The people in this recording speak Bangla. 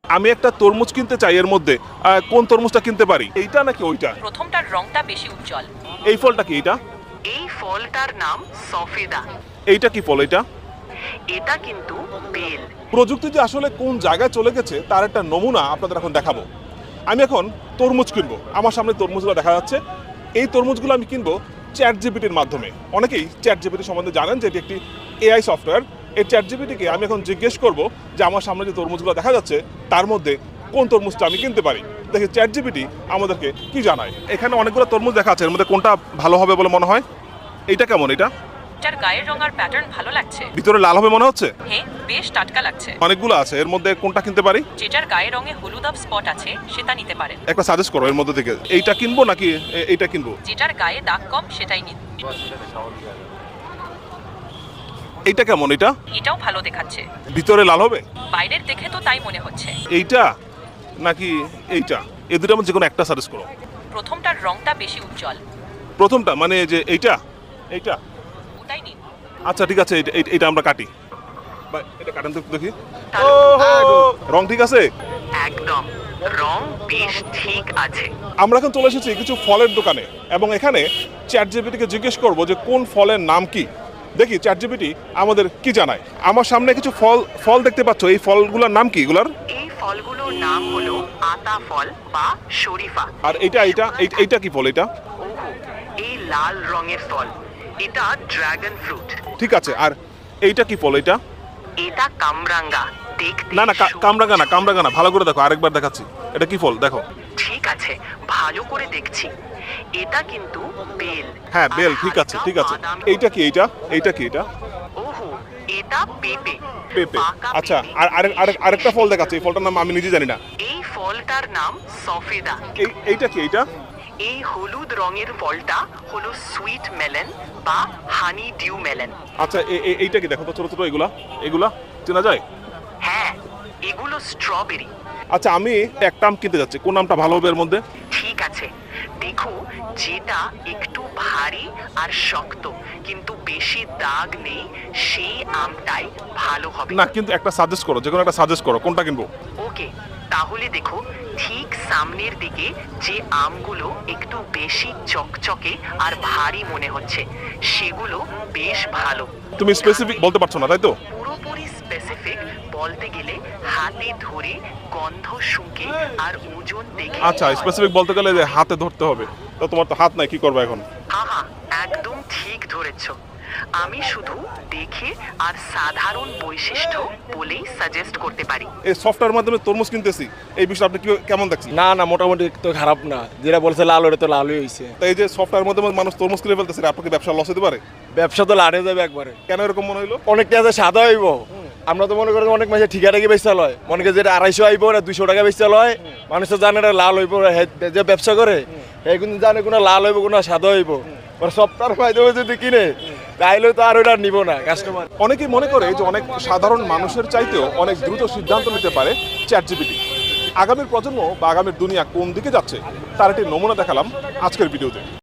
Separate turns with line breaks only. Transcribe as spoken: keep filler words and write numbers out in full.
আমি একটা তরমুজ কিনতে চাই, এর মধ্যে আহ, কোন তরমুজটা কিনতে পারি? এইটা নাকি ওইটা?
প্রথমটার রংটা বেশি উজ্জ্বল।
এই ফলটা কি এটা?
এই ফলটার নাম সফেদা।
এইটা কি ফল এটা?
এটা কিন্তু বেল।
প্রযুক্তি যে আসলে কোন জায়গায় চলে গেছে তার একটা নমুনা আপনাদের এখন দেখাবো। আমি এখন তরমুজ কিনবো, আমার সামনে তরমুজগুলো দেখা যাচ্ছে। এই তরমুজগুলো আমি কিনবো চ্যাট জিপিটির মাধ্যমে। অনেকেই চ্যাট জিপিটি সম্বন্ধে জানেন যে এটি একটি এআই সফটওয়্যার। এই চ্যাট জিপিটিকে আমি এখন জিজ্ঞেস করব যে আমার সামনে যে তরমুজগুলো দেখা যাচ্ছে তার মধ্যে কোন তরমুজটা আমি কিনতে পারি। দেখি চ্যাট জিপিটি আমাদেরকে কি জানায়। এখানে অনেকগুলো তরমুজ দেখা আছে, এর মধ্যে কোনটা ভালো হবে বলে মনে হয়? এইটা কেমন? এটা
এটার গায়ের রং আর প্যাটার্ন ভালো লাগছে।
ভিতরে লাল হবে মনে হচ্ছে।
হ্যাঁ, বেশ টাটকা লাগছে।
অনেকগুলো আছে, এর মধ্যে কোনটা কিনতে পারি?
যেটার গায়ের রঙে হলুদাভ স্পট আছে সেটা নিতে পারেন।
একটা সাজেস্ট করো এর মধ্যে থেকে, এইটা কিনবো নাকি এ- এইটা কিনবো?
যেটার গায়ে দাগ কম সেটাই নিন।
এইটা কেমন? এটা
এটাও ভালো দেখাচ্ছে।
ভিতরে লাল হবে?
বাইরের দেখে তো তাই মনে হচ্ছে।
এইটা নাকি এইটা? এই দুটোর মধ্যে যে কোনো একটা সাজেস্ট করো।
প্রথমটার রংটা বেশি উজ্জ্বল।
প্রথমটা মানে যে এইটা এইটা
ওটাই নিন।
আচ্ছা ঠিক আছে, এটা এটা- এটা আমরা কাটি। বা এটা কাটেন তো একটু দেখি।
তাহলে
ওহো, রং ঠিক আছে?
একদম রং বেশ ঠিক আছে।
আমরা এখন চলে এসেছি কিছু ফলের দোকানে এবং এখানে চ্যাট জিপিটিকে জিজ্ঞেস করব যে কোন ফলের নাম কি। দেখি চ্যাট জিপিটি আমাদের কি জানায়। আমার সামনে কিছু ফল ফল দেখতে পাচ্ছ, এই ফলগুলোর নাম কি এগুলার?
এই ফলগুলোর নাম হলো আতা ফল বা শরীফা।
আর এইটা এইটা এই- এইটা কি ফল এটা?
ওহো, এই লাল রঙের ফল এটা ড্রাগন ফ্রুট।
ঠিক আছে, আর এইটা কি ফল এটা?
এটা কামরাঙ্গা। দেখতে
না না কা-
সবুজ।
কামরাঙা না, কামরাঙা না, ভালো করে দেখো, আরেকবার দেখাচ্ছি। এটা কি ফল দেখো।
ঠিক আছে, ভালো করে দেখছি। এটা কিন্তু বেল।
হ্যাঁ বেল,
আর
ঠিক আছে
হালকা
ঠিক আছে।
বাদামি।
এইটা কি এইটা? এইটা কি এটা?
ওহো, এটা পেঁপে।
পেঁপে।
পাকা
আচ্ছা,
পেঁপে।
আর আরেক আরেক আরেকটা ফল দেখাচ্ছে, এই ফলটার নাম আমি নিজে জানি না।
এই ফলটার নাম সফেদা।
এই এইটা কি এইটা?
এই হলুদ রঙের ফলটা হলো সুইট মেলন বা হানি ডিউ মেলন।
আচ্ছা এ- এ- এইটা কি দেখো তো, ছোট ছোট এগুলা এগুলা চেনা যায়?
হ্যাঁ, এগুলো স্ট্রবেরি।
আচ্ছা আমি একটা আম কিনতে যাচ্ছি, কোন আমটা ভালো হবে এর মধ্যে?
ঠিক আছে, দেখো যেটা একটু ভারী আর শক্ত কিন্তু বেশি দাগ নেই সেই আমটাই ভালো হবে।
না কিন্তু একটা সাজেস্ট করো, যে কোনো একটা সাজেস্ট করো, কোনটা কিনবো?
ওকে, তাহলে দেখো ঠিক সামনের দিকে যে আমগুলো একটু বেশি চকচকে আর ভারী মনে হচ্ছে সেগুলো বেশ ভালো।
তুমি স্পেসিফিক বলতে পারছো না তাই তো?
পুরোপুরি স্পেসিফিক বলতে গেলে হাতে ধরে গন্ধ শুঁকে আর ওজন দেখে।
আচ্ছা স্পেসিফিক বলতে গেলে যে হাতে ধরতে হবে, তো তোমার তো হাত নাই, কি করবে এখন?
আহা, একদম ঠিক ধরেছ। আমি শুধু দেখে আর সাধারণ বৈশিষ্ট্য বলেই সাজেস্ট করতে পারি।
এই সফটওয়্যার মাধ্যমে তরমুজ কিনতেছি, এই বিষয়ে আপনি কি- কেমন দেখছেন?
না না, মোটামুটি তো খারাপ না, যেটা বলছে লাল ওটা তো লালই হয়েছে।
তাই এই যে সফটওয়্যার মাধ্যমে মানুষ তরমুজ কিনে ফেলতেছে, আপনাকে ব্যবসা লস হতে পারে?
ব্যবসা তো লাড়ে যাবে একবারে।
কেন এরকম মনে হলো?
অনেকটা আছে সাদা হইব, আমরা তো মনে করি অনেক মাসে ঠিকা টাকা বেচা লয়, মনে করি যেটা আড়াইশো আইব না দুইশো টাকা বেচা লয়, মানুষ তো জানে এটা লাল হইব, হে- যে ব্যবসা করে এই কিন্তু জানে কোনো লাল হইব কোনো সাদা হইব। সপ্তাহের মাধ্যমে যদি কিনে তাইলে তো আর ওটা নিব না কাস্টমার।
অনেকেই মনে করে যে অনেক সাধারণ মানুষের চাইতেও অনেক দ্রুত সিদ্ধান্ত নিতে পারে চ্যাট জিপিটি। আগামীর প্রজন্ম বা আগামীর দুনিয়া কোন দিকে যাচ্ছে তার একটি নমুনা দেখালাম আজকের ভিডিওতে।